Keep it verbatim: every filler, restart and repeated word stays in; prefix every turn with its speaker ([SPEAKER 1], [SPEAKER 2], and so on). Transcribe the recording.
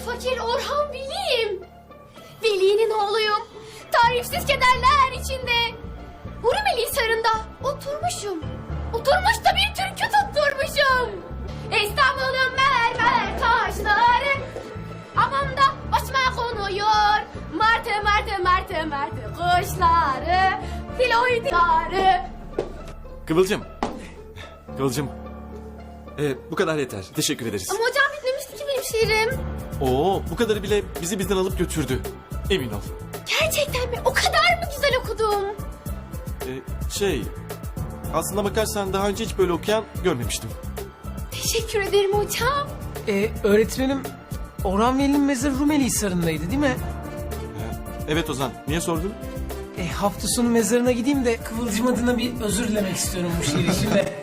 [SPEAKER 1] fakir Orhan Veli'yim. Veli'nin oğluyum. Tarifsiz kederler içinde. Hurmeli Hisarı'nda oturmuşum. Oturmuş da bir türkü tutturmuşum. İstanbul'un mermer taşları hamamda başıma konuyor. Martı martı martı martı kuşları, filoidları.
[SPEAKER 2] Kıvılcım. Kıvılcım. Ee, bu kadar yeter. Teşekkür ederiz.
[SPEAKER 1] Ama hocam bitmemişti ki benim şiirim.
[SPEAKER 2] Oo, bu kadarı bile bizi bizden alıp götürdü. Emin ol.
[SPEAKER 1] Gerçekten mi? O kadar mı güzel okudum?
[SPEAKER 2] Ee, şey... Aslına bakarsan daha önce hiç böyle okuyan görmemiştim.
[SPEAKER 1] Teşekkür ederim hocam.
[SPEAKER 3] Ee, öğretmenim, Orhan Veli'nin mezarı Rumeli Hisarı'ndaydı değil mi?
[SPEAKER 2] Ee, evet Ozan, niye sordun?
[SPEAKER 3] E, hafta sonu mezarına gideyim de Kıvılcım adına bir özür dilemek istiyorum bu şiir için de.